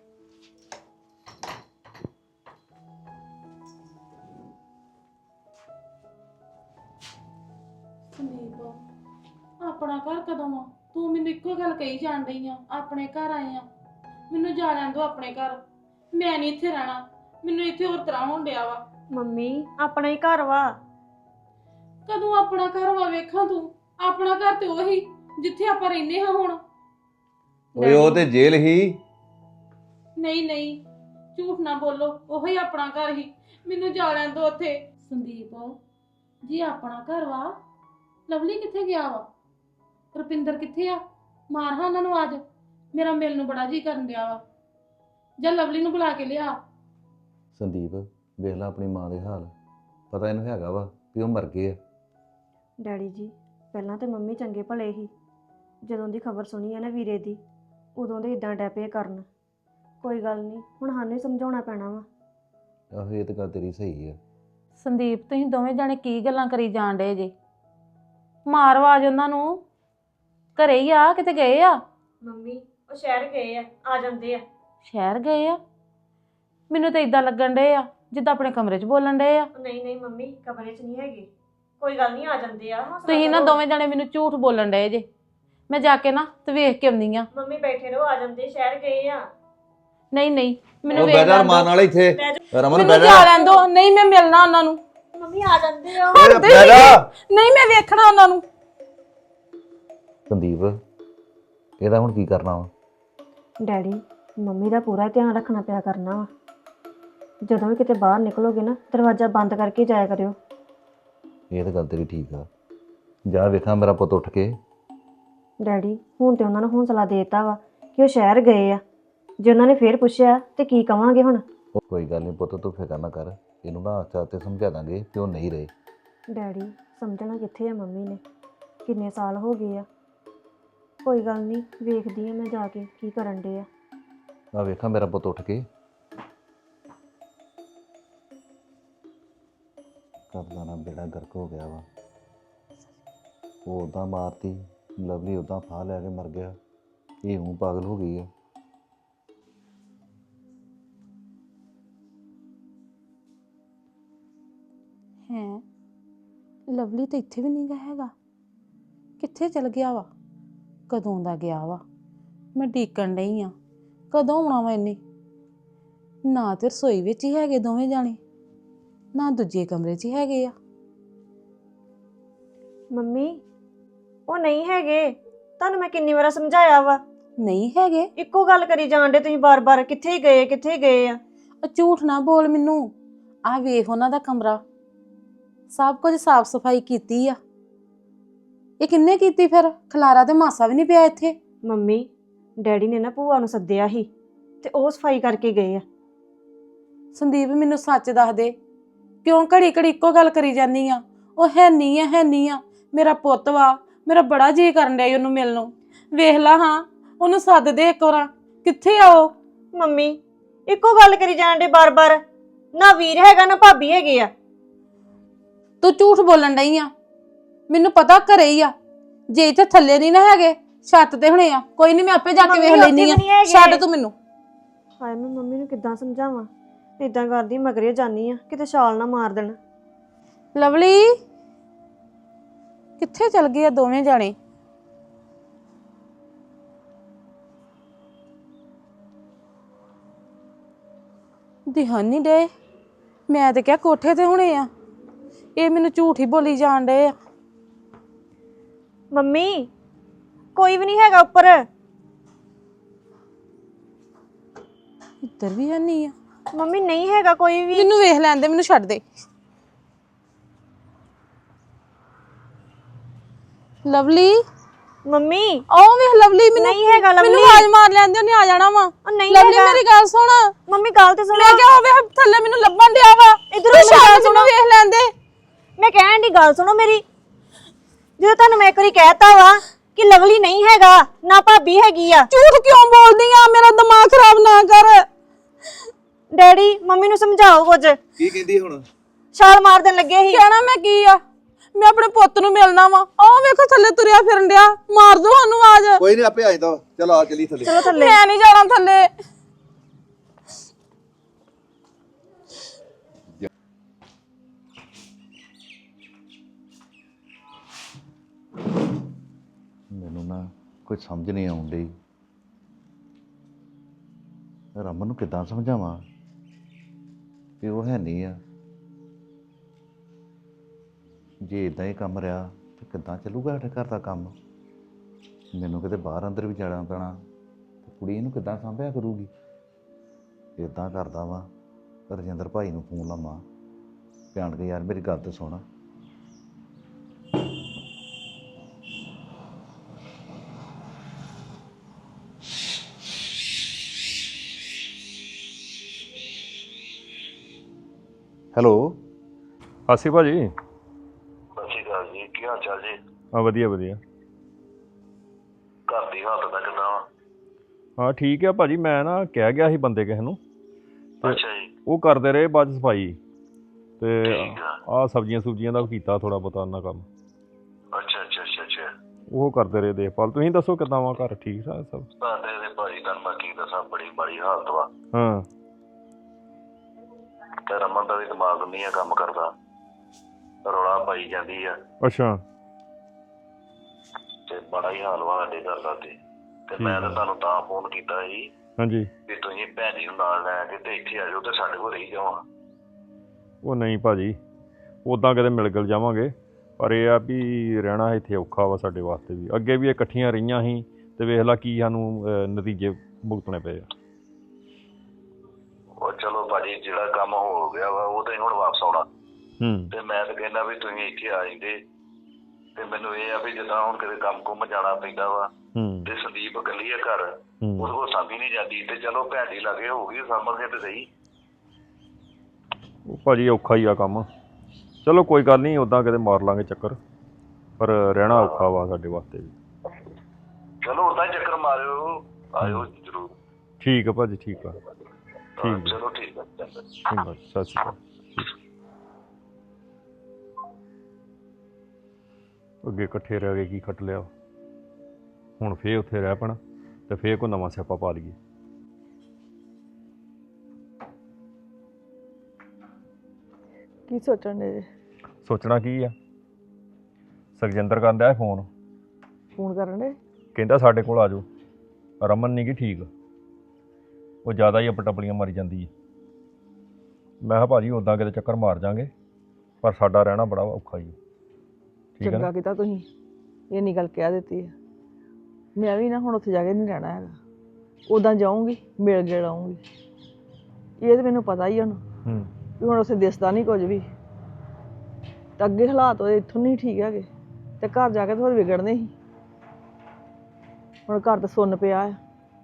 S1: ਸੰਦੀਪ ਆਪਣਾ ਘਰ ਕਦੋਂ ਆ? ਤੂੰ ਮੈਨੂੰ ਇੱਕੋ ਗੱਲ ਕਹੀ ਜਾਣ ਡਈ ਆ, ਆਪਣੇ ਘਰ ਆਏ ਆ। ਮੈਨੂੰ ਜਾ ਲੈਣ ਦੋ ਆਪਣੇ ਘਰ, ਮੈਂ ਨਹੀਂ ਇੱਥੇ ਰਹਿਣਾ। ਮੈਨੂੰ ਇੱਥੇ ਹੋਰ ਤਰ੍ਹਾਂ ਹੋਣ ਡਿਆ ਵਾ।
S5: ਮੰਮੀ ਆਪਣਾ ਹੀ ਘਰ ਵਾ।
S1: ਕਦੋਂ ਆਪਣਾ ਘਰ ਵਾ? ਵੇਖਾਂ ਤੂੰ, ਆਪਣਾ ਘਰ ਤੇ ਉਹੀ ਜਿੱਥੇ ਆਪਾਂ ਰਹਿੰਦੇ ਹਾਂ ਹੁਣ।
S7: ਓਏ ਉਹ ਤੇ ਜੇਲ੍ਹ ਹੀ।
S1: ਨਹੀਂ ਨਹੀਂ, ਝੂਠ ਨਾ ਬੋਲੋ, ਉਹੀ ਆਪਣਾ ਘਰ ਹੀ। ਮੈਨੂੰ ਜਾ ਲੈਣ ਦੋ ਉੱਥੇ। ਸੰਦੀਪ ਜੀ ਆਪਣਾ ਘਰ ਵਾ, ਲਵਲੀ ਕਿੱਥੇ ਗਿਆ ਵਾ? ਰੁਪਿੰਦਰ ਕਿੱਥੇ ਆ? ਮਾਰ ਹਾਂ ਉਹਨਾਂ ਨੂੰ ਅੱਜ, ਮੇਰਾ ਮਿਲ ਨੂੰ ਬੜਾ ਜੀ ਕਰਨ ਡਿਆ ਵਾ। ਜਾਂ ਲਵਲੀ ਨੂੰ ਬੁਲਾ ਕੇ ਲਿਆ।
S7: ਸੰਦੀਪ ਵੇਖ ਲੈ ਆਪਣੀ ਮਾਂ ਦੇ ਹਾਲ, ਪਤਾ ਇਹਨੂੰ ਹੈਗਾ ਵਾ ਵੀ ਉਹ ਮਰ ਗਏ ਆ।
S5: ਡੈਡੀ ਜੀ ਪਹਿਲਾਂ ਤੇ ਮੰਮੀ ਚੰਗੇ ਭਲੇ ਸੀ, ਜਦੋਂ ਦੀ ਖਬਰ ਸੁਣੀ ਹੈ ਨਾ ਵੀਰੇ ਦੀ, ਉਦੋਂ ਦੇ ਇਦਾਂ ਡੈਪੇ ਕਰਨ। ਕੋਈ ਗੱਲ ਨਹੀਂ, ਹੁਣ ਸਾਨੂੰ ਹੀ ਸਮਝਾਉਣਾ ਪੈਣਾ ਵਾ।
S7: ਆਹੋ ਇਹ ਤਾਂ ਗੱਲ ਤੇਰੀ ਸਹੀ ਆ।
S1: ਸੰਦੀਪ ਤੁਸੀਂ ਦੋਵੇਂ ਜਾਣੇ ਕੀ ਗੱਲਾਂ ਕਰੀ ਜਾਣ ਡੇ ਜੇ? ਮਾਰ ਆਵਾਜ਼ ਉਹਨਾਂ ਨੂੰ, ਘਰੇ ਹੀ ਆ, ਕਿਤੇ ਗਏ ਆ?
S5: ਮੰਮੀ ਉਹ ਸ਼ਹਿਰ ਗਏ ਆ, ਆ ਜਾਂਦੇ ਆ।
S1: ਸ਼ਹਿਰ ਗਏ ਆ? ਮੈਨੂੰ ਤਾਂ ਇਦਾਂ ਲੱਗਣ ਡੇ ਆ ਜਿੱਦਾਂ ਆਪਣੇ ਕਮਰੇ 'ਚ ਬੋਲਣ ਡੇ ਆ।
S5: ਨਹੀਂ ਨਹੀਂ ਮੰਮੀ ਕਮਰੇ 'ਚ ਨਹੀਂ ਹੈਗੇ, ਕੋਈ ਗੱਲ ਨਹੀਂ, ਆ ਜਾਂਦੇ ਆ। ਹੌਸਲਾ
S1: ਤੁਸੀਂ ਨਾ
S5: ਕਰੋ।
S1: ਦੋਵੇਂ ਜਾਣੇ ਮੈਨੂੰ ਝੂਠ ਬੋਲਣ ਡਏ ਜੇ। ਮੈਂ ਜਾ ਕੇ ਨਾ ਤੇ ਵੇਖ ਕੇ ਆਉਂਦੀ ਆ।
S5: ਮੰਮੀ ਬੈਠੇ ਰਹੋ, ਆ ਜਾਂਦੇ, ਸ਼ਹਿਰ ਗਏ ਆ।
S1: ਨਹੀਂ ਨਹੀਂ, ਮੈਨੂੰ
S7: ਉਹ
S1: ਵੇਖ
S7: ਬੈਦਰ
S1: ਲੈਣ
S7: ਮਾਰਨ
S1: ਦਿਓ।
S7: ਵਾਲਾ ਇੱਥੇ ਰਮਨ
S1: ਮੈਨੂੰ
S7: ਬੈਦਰ
S1: ਜਾ ਲੈਣ ਦੋ। ਨਹੀਂ ਮੈਂ ਮਿਲਣਾ ਉਹਨਾਂ ਨੂੰ।
S5: ਮੰਮੀ ਆ ਜਾਂਦੇ ਆ।
S7: ਓਏ ਬੈਦਰ।
S1: ਨਹੀਂ ਮੈਂ ਵੇਖਣਾ ਉਹਨਾਂ ਨੂੰ।
S7: ਸੰਦੀਪ ਇਹਦਾ ਹੁਣ ਕੀ ਕਰਨਾ ਵਾ?
S5: ਡੈਡੀ ਮੰਮੀ ਦਾ ਪੂਰਾ ਧਿਆਨ ਰੱਖਣਾ ਪਿਆ ਕਰਨਾ ਵਾ। ਜਦੋਂ ਵੀ ਕਿਤੇ ਬਾਹਰ ਨਿਕਲੋਗੇ ਨਾ, ਦਰਵਾਜ਼ਾ ਬੰਦ ਕਰਕੇ ਜਾਇਆ ਕਰਿਓ।
S7: ਇਹ ਤਾਂ ਗੱਲ ਤੇਰੀ ਠੀਕ ਆ। ਜਾ ਵੇਖਾਂ ਮੇਰਾ ਪੁੱਤ ਉੱਠ ਕੇ।
S5: ਡੈਡੀ ਹੁਣ ਤੇ ਉਹਨਾਂ ਨੂੰ ਹੌਸਲਾ ਦੇਤਾ ਵਾ ਕਿ ਉਹ ਸ਼ਹਿਰ ਗਏ ਆ। ਜੇ ਉਹਨਾਂ ਨੇ ਫੇਰ ਪੁੱਛਿਆ ਤੇ ਕੀ ਕਵਾਂਗੇ ਹੁਣ?
S7: ਉਹ ਕੋਈ ਗੱਲ ਨਹੀਂ ਪੁੱਤ, ਤੂੰ ਫਿਕਰ ਨਾ ਕਰ, ਇਹਨੂੰ ਨਾ ਆਸਤੇ ਆਸਤੇ ਸਮਝਾ ਦਾਂਗੇ ਕਿ ਉਹ ਨਹੀਂ ਰਹੇ।
S5: ਡੈਡੀ ਸਮਝਣਾ ਕਿੱਥੇ ਆ ਮੰਮੀ ਨੇ, ਕਿੰਨੇ ਸਾਲ ਹੋ ਗਏ ਆ। ਕੋਈ ਗੱਲ ਨਹੀਂ, ਵੇਖਦੀ ਆ ਮੈਂ ਜਾ ਕੇ ਕੀ ਕਰਨ ਡੇ ਆ।
S7: ਆ ਵੇਖਾਂ ਮੇਰਾ ਪੁੱਤ ਉੱਠ ਕੇ। ਕਰਦਾ ਨਾ ਬੇੜਾ ਗਰਕ ਹੋ ਗਿਆ ਵਾ। ਉਹ ਉਦਾਂ ਮਾਰਤੀ, ਲਵਲੀ ਉਦਾਂ ਫਾਹ ਲੈ ਕੇ ਮਰ ਗਿਆ। ਇਹ ਹੂੰ ਪਾਗਲ ਹੋ ਗਈ ਆ।
S1: ਹੈ ਲਵਲੀ ਤਾਂ ਇੱਥੇ ਵੀ ਨਹੀਂ ਗਾ ਹੈਗਾ। ਕਿੱਥੇ ਚਲ ਗਿਆ ਵਾ? ਕਦੋਂ ਦਾ ਗਿਆ ਵਾ? ਮੈਂ ਡੀਕਣ ਡਈ ਆ, ਕਦੋਂ ਆਉਣਾ ਵਾ ਇਹਨੇ? ਨਾ ਤੇ ਰਸੋਈ ਵਿੱਚ ਹੀ ਹੈਗੇ ਦੋਵੇਂ ਜਾਣੇ, ਨਾ ਦੂਜੇ ਕਮਰੇ 'ਚ ਹੀ ਹੈਗੇ ਆ।
S5: ਮੰਮੀ ਉਹ ਨਹੀਂ ਹੈਗੇ, ਤੁਹਾਨੂੰ ਮੈਂ ਕਿੰਨੀ ਵਾਰ ਸਮਝਾਇਆ ਵਾ।
S1: ਨਹੀਂ ਹੈਗੇ?
S5: ਇੱਕੋ ਗੱਲ ਕਰੀ ਜਾਣ ਡੇ ਤੁਸੀਂ ਬਾਰ-ਬਾਰ, ਕਿੱਥੇ ਹੀ ਗਏ ਕਿੱਥੇ ਹੀ ਗਏ ਆ।
S1: ਉਹ ਝੂਠ ਨਾ ਬੋਲ ਮੈਨੂੰ। ਆਹ ਵੇਖ ਉਹਨਾਂ ਦਾ ਕਮਰਾ, ਸਭ ਕੁਝ ਸਾਫ਼ ਸਫਾਈ ਕੀਤੀ ਆ। ਇਹ ਕਿੰਨੇ ਕੀਤੀ ਫਿਰ? ਖਲਾਰਾ ਤੇ ਮਾਸਾ ਵੀ ਨਹੀਂ ਪਿਆ ਇੱਥੇ।
S5: ਮੰਮੀ ਡੈਡੀ ਨੇ ਨਾ ਭੂਆ ਨੂੰ ਸੱਦਿਆ ਸੀ ਤੇ ਉਹ ਸਫਾਈ ਕਰਕੇ ਗਏ ਆ।
S1: ਸੰਦੀਪ ਮੈਨੂੰ ਸੱਚ ਦੱਸ ਦੇ, ਕਿਉਂ ਘੜੀ ਘੜੀ ਇੱਕੋ ਗੱਲ ਕਰੀ ਜਾਂਦੀ ਆ? ਉਹ ਹੈ ਨਹੀਂ ਆ, ਹੈ ਨਹੀਂ ਆ, ਮੇਰਾ ਪੁੱਤ ਵਾ, ਮੇਰਾ ਬੜਾ ਜੀ ਕਰਨ ਡਿਆ ਉਹਨੂੰ ਮਿਲਣ ਨੂੰ। ਵੇਖ ਲਾ ਹਾਂ, ਉਹਨੂੰ ਸੱਦ ਦੇ ਇੱਕ ਵਾਰ। ਕਿੱਥੇ ਆ ਉਹ?
S5: ਮੰਮੀ ਇੱਕੋ ਗੱਲ ਕਰੀ ਜਾਣ ਡੇ ਬਾਰ-ਬਾਰ, ਨਾ ਵੀਰ ਹੈਗਾ ਨਾ ਭਾਬੀ ਹੈਗੇ ਆ।
S1: ਤੂੰ ਝੂਠ ਬੋਲਣ ਡਈ ਆ, ਮੈਨੂੰ ਪਤਾ ਘਰੇ ਹੀ ਆ। ਜੇ ਇੱਥੇ ਥੱਲੇ ਨਹੀਂ ਨਾ ਹੈਗੇ, ਛੱਤ ਤੇ ਹੁਣੇ ਆ। ਕੋਈ ਨਹੀਂ, ਮੈਂ ਆਪੇ ਜਾ ਕੇ ਵੇਖ ਲੈਣੀ ਆ। ਛੱਡ ਤੂੰ ਮੈਨੂੰ।
S5: ਹਾਏ ਮੈਂ ਮੰਮੀ ਨੂੰ ਕਿੱਦਾਂ ਸਮਝਾਵਾਂ? ਇਦਾਂ ਕਰਦੀ ਮਗਰੇ ਜਾਨੀ ਆ, ਕਿਤੇ ਛਾਲ ਨਾ ਮਾਰ ਦੇਣ।
S1: ਲਵਲੀ ਕਿੱਥੇ ਚਲ ਗਏ ਆ ਦੋਵੇਂ ਜਾਣੇ? ਦਿਹਾਨ ਨਹੀਂ ਡੇ। ਮੈਂ ਤੇ ਕਿਹਾ ਕੋਠੇ ਤੇ ਹੁਣੇ ਆ, ਇਹ ਮੈਨੂੰ ਝੂਠ ਹੀ ਬੋਲੀ ਜਾਣ ਡੇ ਆ।
S5: ਮੰਮੀ ਕੋਈ ਵੀ ਨਹੀਂ ਹੈਗਾ ਉੱਪਰ।
S1: ਇੱਧਰ ਵੀ ਹੈ ਨਹੀਂ ਆ।
S5: ਮੰਮੀ ਨਹੀਂ ਹੈਗਾ ਕੋਈ ਵੀ।
S1: ਮੈਨੂੰ ਵੇਖ ਲੈਣ ਦੇ, ਮੈਨੂੰ ਛੱਡ ਦੇ। ਲਵਲੀ
S5: ਮੰਮੀ
S1: ਆਓ ਵੇਖ ਲਵਲੀ। ਮੈਨੂੰ
S5: ਨਹੀਂ ਹੈਗਾ ਲਵਲੀ।
S1: ਮੈਨੂੰ ਆਵਾਜ਼ ਮਾਰ ਲੈਂਦੇ, ਉਹਨੇ ਆ ਜਾਣਾ ਵਾ।
S5: ਉਹ ਨਹੀਂ
S1: ਲਵਲੀ
S5: ਹੈਗਾ।
S1: ਮੇਰੀ ਗੱਲ ਸੁਣ।
S5: ਮੰਮੀ ਗੱਲ ਤੇ ਸੁਣੋ।
S1: ਮੈਂ ਕਿਹਾ ਹੋਵੇ ਥੱਲੇ ਮੈਨੂੰ ਲੱਭਣ ਡਿਆ ਵਾ।
S5: ਇੱਧਰੋਂ
S1: ਤੂੰ
S5: ਮੇਰੀ ਗੱਲ
S1: ਸ਼ਾਇਦ
S5: ਸੁਣੋ।
S1: ਮੈਨੂੰ ਵੇਖ ਲੈਂਦੇ।
S5: ਮੈਂ ਕਹਿਣ ਦੀ ਗੱਲ ਸੁਣੋ ਮੇਰੀ। ਜਦੋਂ ਤੁਹਾਨੂੰ ਮੈਂ ਇੱਕ ਵਾਰੀ ਕਹਿਤਾ ਵਾ ਕਿ ਲਵਲੀ ਨਹੀਂ ਹੈਗਾ ਨਾ ਭਾਬੀ ਹੈਗੀ ਆ।
S4: ਝੂਠ ਕਿਉਂ ਬੋਲਦੀ ਆ? ਮੇਰਾ ਦਿਮਾਗ ਖਰਾਬ ਨਾ ਕਰ।
S5: ਡੈਡੀ ਮੰਮੀ ਨੂੰ ਸਮਝਾਓ ਕੁਝ।
S7: ਕੀ ਕਹਿੰਦੀ ਹੁਣ?
S5: ਛਾਲ ਮਾਰ ਦੇਣ ਲੱਗੇ ਸੀ।
S4: ਕਹਿਣਾ ਮੈਂ ਕੀ ਆ? ਮੈਂ ਆਪਣੇ ਪੁੱਤ ਨੂੰ ਮਿਲਣਾ ਵਾ। ਆਹ ਵੇਖੋ ਥੱਲੇ ਤੁਰਿਆ ਫਿਰਨ ਡਿਆ। ਮਾਰ ਦੋ ਸਾਨੂੰ ਆਵਾਜ਼।
S7: ਕੋਈ ਨਹੀਂ ਆਪੇ ਆ ਜਾਂਦਾ। ਚਲ ਆ ਚਲੀ ਥੱਲੇ।
S5: ਚਲੋ ਥੱਲੇ।
S4: ਮੈਂ ਨਹੀਂ ਜਾਣਾ ਥੱਲੇ।
S7: ਮੈਨੂੰ ਨਾ ਕੁਝ ਸਮਝ ਨਹੀਂ ਆਉਣ ਡਈ। ਰਮਨ ਨੂੰ ਕਿੱਦਾਂ ਸਮਝਾਵਾਂ ਕਿ ਉਹ ਹੈ ਨਹੀਂ ਆ। ਜੇ ਇਦਾਂ ਹੀ ਕੰਮ ਰਿਹਾ ਤੇ ਕਿੱਦਾਂ ਚੱਲੂਗਾ ਸਾਡੇ ਘਰ ਦਾ ਕੰਮ। ਮੈਨੂੰ ਕਿਤੇ ਬਾਹਰ ਅੰਦਰ ਵੀ ਜਾਣਾ ਪੈਣਾ ਤੇ ਕੁੜੀ ਇਹਨੂੰ ਕਿੱਦਾਂ ਸੰਭਿਆ ਕਰੂਗੀ। ਇਦਾਂ ਕਰਦਾ ਵਾਂ ਰਜਿੰਦਰ ਭਾਈ ਨੂੰ ਫੋਨ ਲਾਵਾਂ ਭਿਆਨ ਕੇ, ਯਾਰ ਮੇਰੀ ਗੱਲ ਤੇ ਸੁਣ। ਹੈਲੋ।
S8: ਸਤਿ ਸ਼੍ਰੀ ਅਕਾਲ ਜੀ।
S10: ਸਤਿ ਸ਼੍ਰੀ ਅਕਾਲ ਜੀ, ਕੀ ਹਾਲ ਚਾਲ ਜੀ?
S8: ਹਾਂ ਵਧੀਆ ਵਧੀਆ।
S10: ਘਰ ਦੀ ਹਾਲਤ ਦਾ ਕਿੱਦਾਂ ਵਾ?
S8: ਹਾਂ ਠੀਕ ਆ ਭਾਜੀ। ਮੈਂ ਨਾ ਕਹਿ ਗਿਆ ਸੀ ਬੰਦੇ ਕਿਸੇ ਨੂੰ ਤੇ
S10: ਅੱਛਾ ਜੀ।
S8: ਉਹ ਕਰਦੇ ਰਹੇ ਬਾਅਦ 'ਚ ਸਫਾਈ ਤੇ
S10: ਠੀਕ ਆ।
S8: ਆਹ ਸਬਜ਼ੀਆਂ ਸੁਬਜ਼ੀਆਂ ਦਾ ਕੀਤਾ ਥੋੜਾ ਬਹੁਤਾ ਉਹਨਾਂ ਕੰਮ।
S10: ਅੱਛਾ ਅੱਛਾ ਅੱਛਾ ਅੱਛਾ।
S8: ਉਹ ਕਰਦੇ ਰਹੇ ਦੇਖਭਾਲ। ਤੁਸੀਂ ਦੱਸੋ ਕਿੱਦਾਂ ਵਾ ਘਰ? ਠੀਕ ਠਾਕ ਸਭ?
S10: ਸਾਡੇ ਦੇ ਭਾਜੀ ਤੁਹਾਨੂੰ ਮੈਂ ਕੀ ਦੱਸਾਂ, ਬੜੀ ਮਾੜੀ ਹਾਲਤ ਵਾ।
S8: ਹਾਂ
S10: ਤੇ ਰਮਨ ਦਾ ਵੀ ਦਿਮਾਗ ਨਹੀਂ ਆ ਕੰਮ ਕਰਦਾ, ਰੌਲਾ ਪਾਈ ਜਾਂਦੀ ਆ
S8: ਅੱਛਾ।
S10: ਤੇ ਬੜਾ ਹੀ ਹਾਲ ਵਾ ਸਾਡੇ ਘਰ ਦਾ। ਤੇ ਤੇ ਮੈਂ ਤਾਂ ਤੁਹਾਨੂੰ ਤਾਂ ਫੋਨ ਕੀਤਾ ਸੀ
S8: ਹਾਂਜੀ।
S10: ਵੀ ਤੁਸੀਂ ਭੈਣ ਜੀ ਨੂੰ ਨਾਲ ਲੈ ਕੇ ਤੇ ਇੱਥੇ ਆ ਜਾਓ ਤੇ ਸਾਡੇ ਕੋਲ ਰਹੀ ਜਾਵਾਂ।
S8: ਉਹ ਨਹੀਂ ਭਾਜੀ, ਉੱਦਾਂ ਕਿਤੇ ਮਿਲ ਗਿਲ ਜਾਵਾਂਗੇ, ਪਰ ਇਹ ਆ ਵੀ ਰਹਿਣਾ ਇੱਥੇ ਔਖਾ ਵਾ ਸਾਡੇ ਵਾਸਤੇ ਵੀ। ਅੱਗੇ ਵੀ ਇਹ ਇਕੱਠੀਆਂ ਰਹੀਆਂ ਸੀ ਤੇ ਵੇਖ ਲਾ ਕੀ ਸਾਨੂੰ ਅਹ, ਨਤੀਜੇ ਭੁਗਤਣੇ ਪਏ ਆ।
S10: ਉਹ ਚਲੋ ਭਾਜੀ ਜਿਹੜਾ ਕੰਮ ਹੋ ਗਿਆ ਵਾ ਉਹ ਤਾਂ ਹੁਣ ਵਾਪਸ ਆਉਣਾ।
S8: ਹੂੰ।
S10: ਤੇ ਮੈਂ ਤਾਂ ਕਹਿੰਦਾ ਵੀ ਤੁਸੀਂ ਇੱਥੇ ਆ ਜਾਂਦੇ। ਤੇ ਮੈਨੂੰ ਇਹ ਆ ਵੀ ਜਿੱਦਾਂ ਹੁਣ ਕਿਤੇ ਕੰਮ ਕੁੰਮ ਜਾਣਾ ਪੈਂਦਾ ਵਾ
S8: ਹੂੰ
S10: ਤੇ ਸੰਦੀਪ ਇਕੱਲੀ ਆ ਘਰ,
S8: ਹੂੰ।
S10: ਉਹਦੇ ਕੋਲ ਸਾਂਭੀ ਨਹੀਂ ਜਾਂਦੀ। ਤੇ ਚਲੋ ਭੈਣ ਜੀ ਲਾਗੇ ਹੋਊਗੀ ਸਾਂਭਣਗੇ ਤੇ ਸਹੀ।
S8: ਉਹ ਭਾਜੀ ਔਖਾ ਹੀ ਆ ਕੰਮ। ਚਲੋ ਕੋਈ ਗੱਲ ਨਹੀਂ, ਉੱਦਾਂ ਕਿਤੇ ਮਾਰ ਲਾਂਗੇ ਚੱਕਰ, ਪਰ ਰਹਿਣਾ ਔਖਾ ਵਾ ਸਾਡੇ ਵਾਸਤੇ ਵੀ।
S10: ਚਲੋ ਉਦਾਂ ਹੀ ਚੱਕਰ ਮਾਰਿਓ, ਆਇਓ ਜ਼ਰੂਰ।
S8: ਠੀਕ ਆ ਭਾਜੀ, ਠੀਕ ਆ।
S10: ਹਾਂ,
S8: ਠੀਕ ਆ
S10: ਚਲੋ ਠੀਕ ਆ, ਚੰਗਾ।
S8: ਚੰਗਾ, ਸਤਿ ਸ਼੍ਰੀ ਅਕਾਲ। ਅੱਗੇ ਇਕੱਠੇ ਰਹਿ ਗਏ ਕੀ ਖੱਟ ਲਿਆ, ਹੁਣ ਫੇਰ ਉੱਥੇ ਰਹਿ ਪੈਣਾ ਤੇ ਫੇਰ ਕੋਈ ਨਵਾਂ ਸਿਆਪਾ ਪਾ ਲਈਏ।
S4: ਕੀ ਸੋਚਣ ਦੇ?
S8: ਸੋਚਣਾ ਕੀ ਆ, ਸੁਖਜਿੰਦਰ ਕਰਨ ਡਿਆ ਫੋਨ,
S4: ਫੋਨ ਕਰਨ ਦੇ?
S8: ਕਹਿੰਦਾ ਸਾਡੇ ਕੋਲ ਆ ਜਾਓ। ਰਮਨ ਨਹੀਂ ਗੀ ਠੀਕ, ਉਹ ਜ਼ਿਆਦਾ ਹੀ ਅਪਟਪਲੀਆਂ ਮਾਰੀ ਜਾਂਦੀ ਹੈ। ਮੈਂ ਕਿਹਾ ਭਾਜੀ ਉੱਦਾਂ ਕਿਤੇ ਚੱਕਰ ਮਾਰ ਜਾਵਾਂਗੇ, ਪਰ ਸਾਡਾ ਰਹਿਣਾ ਬੜਾ ਔਖਾ ਹੀ। ਠੀਕ ਹੈ
S4: ਚੰਗਾ
S8: ਨਾ?
S4: ਕੀਤਾ ਤੁਸੀਂ ਇਹ ਨਹੀਂ ਗੱਲ ਕਹਿ ਦਿੱਤੀ ਹੈ। ਮੈਂ ਵੀ ਨਾ ਹੁਣ ਉੱਥੇ ਜਾ ਕੇ ਨਹੀਂ ਰਹਿਣਾ ਹੈਗਾ। ਉੱਦਾਂ ਜਾਊਂਗੀ, ਮਿਲ ਗਿਲ ਆਊਂਗੀ। ਇਹ ਤਾਂ ਮੈਨੂੰ ਪਤਾ ਹੀ ਹੁਣ
S8: ਹੂੰ।
S4: ਵੀ ਹੁਣ ਉੱਥੇ ਦਿਸਦਾ ਨਹੀਂ ਕੁਝ ਵੀ। ਤਾਂ ਅੱਗੇ ਹਾਲਾਤ ਉਹਦੇ ਇੱਥੋਂ ਨਹੀਂ ਠੀਕ ਹੈਗੇ ਤੇ ਘਰ ਜਾ ਕੇ ਤਾਂ ਹੋਰ ਵਿਗੜਨੇ ਸੀ। ਹੁਣ ਘਰ ਤਾਂ ਸੁੰਨ ਪਿਆ ਆ।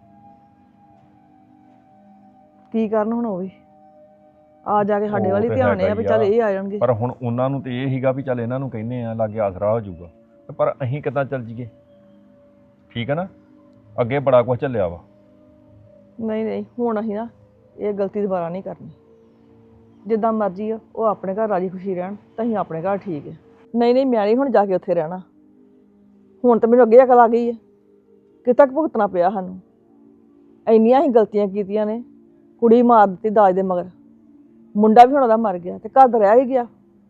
S4: ਕੀ ਕਰਨ ਹੁਣ ਉਹ ਵੀ ਆ ਜਾ ਕੇ ਸਾਡੇ
S8: ਉਹ
S4: ਵੱਲ ਹੀ
S8: ਤੇ
S4: ਧਿਆਨ
S8: ਹੈਗਾ
S4: ਆ ਵੀ
S8: ਹੀ
S4: ਚੱਲ
S8: ਆ।
S4: ਇਹ ਆ ਜਾਣਗੇ।
S8: ਪਰ ਹੁਣ ਉਹਨਾਂ ਨੂੰ ਤੇ ਇਹ ਸੀਗਾ ਵੀ ਚੱਲ ਇਹਨਾਂ ਨੂੰ ਕਹਿੰਦੇ ਆ ਲਾਗੇ ਆਸਰਾ ਹੋ ਜਾਊਗਾ, ਤੇ ਪਰ ਅਸੀਂ ਕਿੱਦਾਂ ਚੱਲ ਜੀਏ? ਠੀਕ ਹੈ ਨਾ, ਅੱਗੇ ਬੜਾ ਕੁਝ ਚੱਲਿਆ ਵਾ।
S4: ਨਹੀਂ ਨਹੀਂ ਹੁਣ ਅਸੀਂ ਨਾ ਇਹ ਗਲਤੀ ਦੁਬਾਰਾ ਨਹੀਂ ਕਰਨੀ। ਜਿੱਦਾਂ ਮਰਜ਼ੀ ਆ ਉਹ ਆਪਣੇ ਘਰ ਰਾਜੀ ਖੁਸ਼ੀ ਰਹਿਣ ਤਾਂ ਅਸੀਂ ਆਪਣੇ ਘਰ ਠੀਕ ਹੈ। ਨਹੀਂ ਨਹੀਂ ਮੈਂ ਨਹੀਂ ਹੁਣ ਜਾ ਕੇ ਉੱਥੇ ਰਹਿਣਾ। ਹੁਣ ਤਾਂ ਮੈਨੂੰ ਅੱਗੇ ਅਕਲ ਆ ਗਈ ਹੈ ਕਿ ਤੱਕ ਭੁਗਤਣਾ ਪਿਆ ਸਾਨੂੰ। ਇੰਨੀਆਂ ਹੀ ਗਲਤੀਆਂ ਕੀਤੀਆਂ ਨੇ। ਕੁੜੀ ਮਾਰ ਦਿੱਤੀ ਦਾਜ ਦੇ ਮਗਰ, ਮੁੰਡਾ ਵੀ ਹੁਣ ਉਹਦਾ ਮਰ ਗਿਆ ਤੇ ਘਰ ਦਾ ਰਹਿ ਹੀ ਗਿਆ।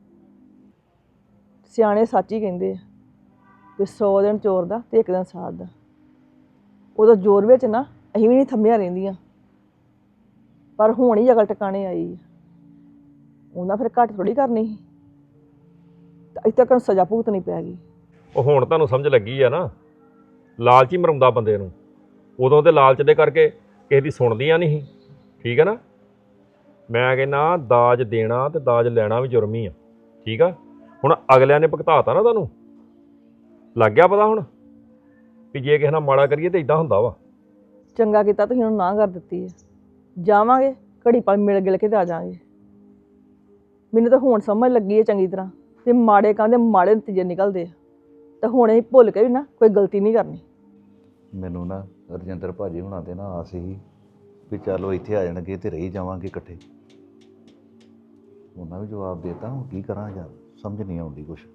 S4: ਸਿਆਣੇ ਸੱਚ ਹੀ ਕਹਿੰਦੇ ਆ ਵੀ ਸੌ ਦਿਨ ਚੋਰ ਦਾ ਤੇ ਇੱਕ ਦਿਨ ਸਾਧ ਦਾ। ਉਹਦਾ ਜ਼ੋਰ ਵਿੱਚ ਨਾ ਅਸੀਂ ਵੀ ਨਹੀਂ ਥੰਮੀਆਂ ਰਹਿੰਦੀਆਂ, ਪਰ ਹੁਣ ਹੀ ਅਕਲ ਟਿਕਾਣੇ ਆਈ ਹੈ। ਉਹਨਾਂ ਫਿਰ ਘੱਟ ਥੋੜੀ ਕਰਨੀ ਸੀ, ਤਾਂ ਇੱਥੇ ਤੱਕ ਸਜ਼ਾ ਭੁਗਤਣੀ ਪੈ ਗਈ।
S8: ਉਹ ਹੁਣ ਤੁਹਾਨੂੰ ਸਮਝ ਲੱਗੀ ਆ ਨਾ, ਲਾਲਚ ਹੀ ਮਰਾਉਂਦਾ ਬੰਦੇ ਨੂੰ। ਉਦੋਂ ਤੇ ਲਾਲਚ ਦੇ ਕਰਕੇ ਕਿਸੇ ਦੀ ਸੁਣਦੀਆਂ ਨਹੀਂ ਸੀ। ਠੀਕ ਹੈ ਨਾ? ਮੈਂ ਕਹਿੰਦਾ ਦਾਜ ਦੇਣਾ ਤੇ ਦਾਜ ਲੈਣਾ ਵੀ ਜੁਰਮ ਹੀ ਆ। ਠੀਕ ਆ? ਹੁਣ ਅਗਲਿਆਂ ਨੇ ਭੁਗਤਾਤਾ ਨਾ, ਤੁਹਾਨੂੰ ਲੱਗ ਗਿਆ ਪਤਾ ਹੁਣ ਵੀ ਜੇ ਕਿਸੇ ਨਾਲ ਮਾੜਾ ਕਰੀਏ ਤੇ ਇਦਾਂ ਹੁੰਦਾ ਵਾ।
S4: ਚੰਗਾ ਕੀਤਾ ਤੁਸੀਂ ਉਹਨੂੰ ਨਾ ਕਰ ਦਿੱਤੀ ਹੈ। ਜਾਵਾਂਗੇ ਘੜੀ ਪਲ ਮਿਲ ਗਿਲ ਕੇ ਤੇ ਆ ਜਾਵਾਂਗੇ। ਮੈਨੂੰ ਤਾਂ ਹੁਣ ਸਮਝ ਲੱਗੀ ਹੈ ਚੰਗੀ ਤਰ੍ਹਾਂ ਤੇ ਮਾੜੇ ਕੰਮ ਦੇ ਮਾੜੇ ਨਤੀਜੇ ਨਿਕਲਦੇ ਆ। ਤੇ ਹੁਣ ਅਸੀਂ ਭੁੱਲ ਕੇ ਵੀ ਨਾ ਕੋਈ ਗਲਤੀ ਨਹੀਂ ਕਰਨੀ।
S7: ਮੈਨੂੰ ਨਾ ਰਜਿੰਦਰ ਭਾਜੀ ਹੁਣਾਂ ਤੇ ਨਾ ਆਸ ਸੀ ਵੀ ਚਲੋ ਇੱਥੇ ਆ ਜਾਣਗੇ ਤੇ ਰਹੀ ਜਾਵਾਂਗੇ ਇਕੱਠੇ। ਉਹਨਾਂ ਵੀ ਜਵਾਬ ਦੇਤਾ, ਹੁਣ ਕੀ ਕਰਾਂ ਯਾਰ, ਸਮਝ ਨਹੀਂ ਆਉਂਦੀ ਕੁਛ।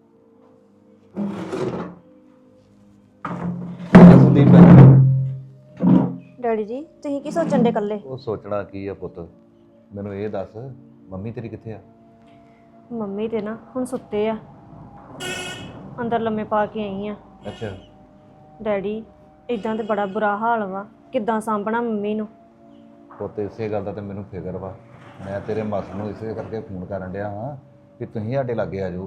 S7: ਸੰਦੀਪ
S5: ਡੈਡੀ ਜੀ ਤੁਸੀਂ ਕੀ ਸੋਚਣ ਦੇ ਇਕੱਲੇ?
S7: ਉਹ ਸੋਚਣਾ ਕੀ ਆ ਪੁੱਤ, ਮੈਨੂੰ ਇਹ ਦੱਸ ਮੰਮੀ ਤੇਰੀ ਕਿੱਥੇ ਆ?
S5: ਮੰਮੀ ਤੇ ਨਾ ਹੁਣ ਸੁੱਤੇ ਆ, ਅੰਦਰ ਲੰਮੇ ਪਾ ਕੇ ਆਈ ਆ।
S7: ਅੱਛਾ।
S5: ਡੈਡੀ ਇਦਾਂ ਤੇ ਬੜਾ ਬੁਰਾ ਹਾਲ ਵਾ, ਕਿੱਦਾਂ ਸਾਂਭਣਾ ਮੰਮੀ ਨੂੰ।
S7: ਪੁੱਤ ਇਸੇ ਗੱਲ ਦਾ ਤੇ ਮੈਨੂੰ ਫਿਕਰ ਵਾ, ਮੈਂ ਤੇਰੇ ਮਾਸੜ ਨੂੰ ਇਸੇ ਕਰਕੇ ਫੋਨ ਕਰਨ ਡਿਆ ਹਾਂ ਕਿ ਤੁਸੀਂ ਸਾਡੇ ਲਾਗੇ ਆ ਜਾਓ।